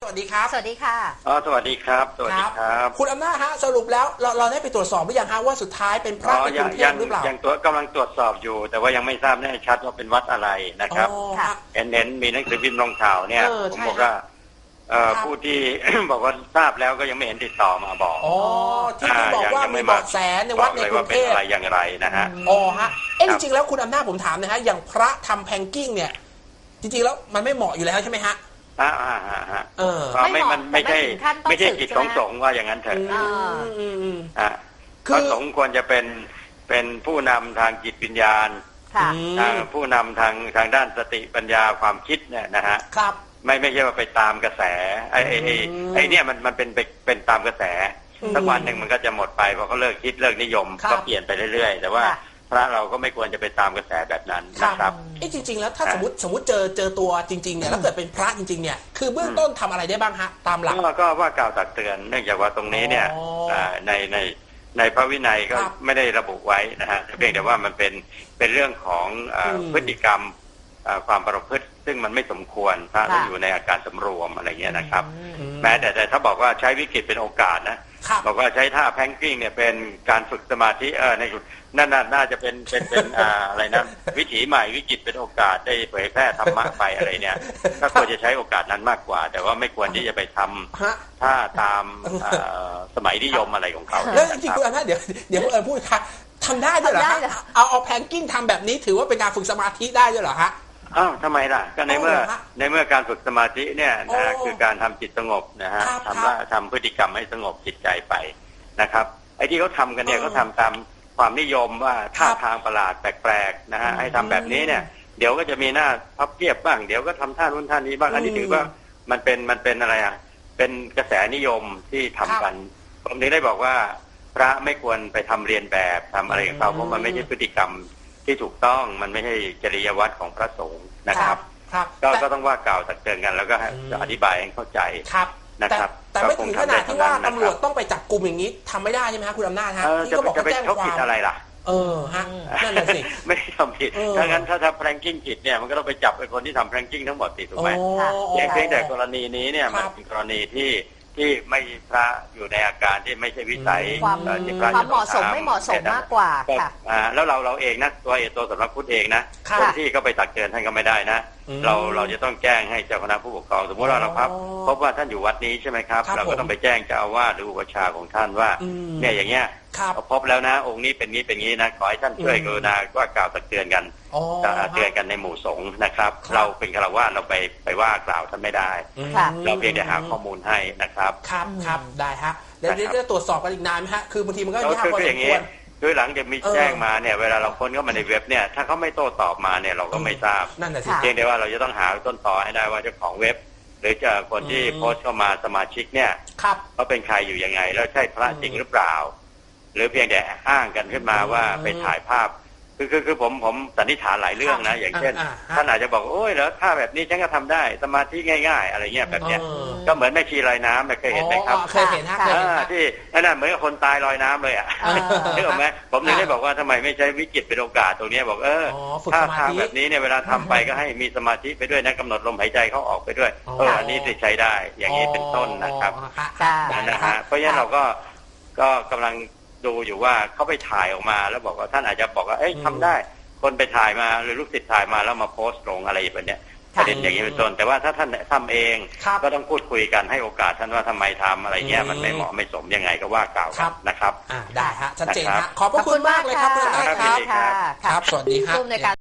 สวัสดีครับสวัสดีค่ะสวัสดีครับสวัสดีครับคุณอำนาจฮะสรุปแล้วเราได้ไปตรวจสอบหรือยังฮะว่าสุดท้ายเป็นพระในกรุงเทพหรือเปล่ายังกำลังตรวจสอบอยู่ แต่ว่ายังไม่ทราบแน่ชัดว่าเป็นวัดอะไรนะครับเห็นมีหนังสือพิมพ์ลงข่าวเนี่ยผมบอกว่าผู้ที่ บอกว่าทราบแล้วก็ยังไม่เห็นติดต่อมาบอกที่บอกว่ามีเบาะแสในวัดในกรุงเทพอะไรอย่างไรนะฮะฮะจริงๆแล้วคุณอำนาจผมถามนะฮะอย่างพระทำแพงกิ้งเนี่ยจริงๆแล้วมันไม่เหมาะอยู่แล้วใช่ไหมฮะไม่ใช่กิจของสงฆ์ว่าอย่างนั้นเถอะก็สงฆ์ควรจะเป็นผู้นำทางจิตวิญญาณผู้นำทางด้านสติปัญญาความคิดเนี่ยนะฮะไม่ใช่ว่าไปตามกระแสไอ้เนี่ยมันเป็นตามกระแสสักวันหนึ่งมันก็จะหมดไปพอเขาเลิกคิดเลิกนิยมก็เปลี่ยนไปเรื่อยๆแต่ว่าพระเราก็ไม่ควรจะไปตามกระแสแบบนั้นนะครับจริงๆแล้วถ้าสมมติเจอตัวจริงๆเนี่ยแล้วเกิดเป็นพระจริงๆเนี่ยคือเบื้องต้นทำอะไรได้บ้างฮะตามหลักก็ว่ากล่าวตักเตือนเนื่องจากว่าตรงนี้เนี่ยในพระวินัยก็ไม่ได้ระบุไว้นะฮะเพียงแต่ว่ามันเป็นเรื่องของพฤติกรรมความประพฤติซึ่งมันไม่สมควรพระต้องอยู่ในอาการสำรวมอะไรเงี้ยนะครับแม้แต่ถ้าบอกว่าใช้วิกฤตเป็นโอกาสนะบอกว่าใช้ท่าแพงกิ้งเนี่ยเป็นการฝึกสมาธิในนั่นน่าจะเป็นอะไรนะวิถีใหม่วิกฤตเป็นโอกาสได้เผยแพร่ธรรมะไปอะไรเนี่ยก็ควรจะใช้โอกาสนั้นมากกว่าแต่ว่าไม่ควรที่จะไปทำท่าตามสมัยนิยมอะไรของเขาแล้วจริงๆคุณอำนาจเดี๋ยวคุณพูดค่ะทำได้ด้วยเหรอเอาแพงกิ้งทำแบบนี้ถือว่าเป็นการฝึกสมาธิได้ด้วยเหรอฮะทำไมล่ะก็ในเมื่อการฝึกสมาธิเนี่ยนะคือการทำจิตสงบนะฮะทำพฤติกรรมให้สงบจิตใจไปนะครับไอ้ที่เขาทำกันเนี่ยเขาทำตามความนิยมว่าท่าทางประหลาดแปลกๆนะฮะให้ทำแบบนี้เนี่ยเดี๋ยวก็จะมีหน้าพับเพียบบ้างเดี๋ยวก็ทำท่านู้นท่านี้บ้างอันนี้ถือว่ามันเป็นอะไรอ่ะเป็นกระแสนิยมที่ทำกันผมถึงได้บอกว่าพระไม่ควรไปทำเรียนแบบทำอะไรของเขาเพราะมันไม่ใช่พฤติกรรมที่ถูกต้องมันไม่ใช่จริยวัตรของพระสงฆ์นะครับก็ต้องว่ากล่าวตักเตือนกันแล้วก็อธิบายให้เข้าใจนะครับแต่ไม่ถึงขนาดที่ว่าตำรวจต้องไปจับกลุ่มอย่างนี้ทำไม่ได้ใช่ไหมครับคุณอำนาจฮะที่ก็บอกว่าแจ้งความผิดอะไรล่ะฮะนั่นแหละสิไม่ทำผิดถ้างั้นถ้าแพลงกิ้งผิดเนี่ยมันก็ต้องไปจับไอ้คนที่ทำแพลงกิ้งทั้งหมดถูกไหมเพียงแต่กรณีนี้เนี่ยมันเป็นกรณีที่ไม่พระอยู่ในอาการที่ไม่ใช่วิสัยความเหมาะสมไม่เหมาะสมมากกว่าค่ะแล้วเราเองนะตัวสำนักพุทธเองนะคนที่ก็ไปตักเตือนท่านก็ไม่ได้นะเราจะต้องแจ้งให้เจ้าคณะผู้ปกครองสมมติว่าเราพบว่าท่านอยู่วัดนี้ใช่ไหมครับเราก็ต้องไปแจ้งเจ้าอาวาสหรืออุปชฌาย์ของท่านว่าเนี่ยอย่างเงี้ยพบแล้วนะองค์นี้เป็นงี้นะขอให้ท่านช่วยกรุณาว่ากล่าวตักเตือนกันเตือนกันในหมู่สงฆ์นะครับเราเป็นฆราวาสเราไปว่ากล่าวท่านไม่ได้เราเพียงแต่หาข้อมูลให้นะครับครับได้ฮะเดี๋ยวจะตรวจสอบกันอีกนานไหมฮะคือบางทีมันก็ยากพอสมควรโดยหลังจะมีแจ้งมาเนี่ยเวลาเราค้นเข้ามาในเว็บเนี่ยถ้าเขาไม่โต้ตอบมาเนี่ยเราก็ไม่ทราบเพียงแต่ว่าเราจะต้องหาต้นตอให้ได้ว่าเจ้าของเว็บหรือจะคนที่โพสต์เข้ามาสมาชิกเนี่ยเขาเป็นใครอยู่ยังไงแล้วใช่พระจริงหรือเปล่าหรือเพียงแต่อ้างกันขึ้นมาว่าไปถ่ายภาพคือผมสันนิษฐานหลายเรื่องนะอย่างเช่นท่านอาจจะบอกโอ้ยแล้วถ้าแบบนี้ฉันก็ทำได้สมาธิง่ายๆอะไรเงี้ยแบบเนี้ยก็เหมือนแม่ชีลอยน้ำเคยเห็นไหมครับเคยเห็นที่นั่นเหมือนกับคนตายลอยน้ำเลยอ่ะนึกออกไหมผมถึงได้บอกว่าทำไมไม่ใช้วิกฤตเป็นโอกาสตรงนี้บอกถ้าทางแบบนี้เนี่ยเวลาทำไปก็ให้มีสมาธิไปด้วยนะกำหนดลมหายใจเข้าออกไปด้วยอันนี้จะใช้ได้อย่างนี้เป็นต้นนะครับนะฮะเพราะฉะนั้นเราก็กำลังดูอยู่ว่าเขาไปถ่ายออกมาแล้วบอกว่าท่านอาจจะบอกว่าทำได้คนไปถ่ายมาหรือลูกศิษย์ถ่ายมาแล้วมาโพสต์ลงอะไรแบบนี้ประเด็นอย่างนี้เป็นต้นแต่ว่าถ้าท่านทำเองก็ต้องพูดคุยกันให้โอกาสท่านว่าทำไมทำอะไรเงี้ยมันไม่เหมาะไม่สมยังไงก็ว่ากล่าวนะครับได้ฮะชัดเจนฮะขอบพระคุณมากเลยครับคุณอาจารย์ครับสวัสดีครับ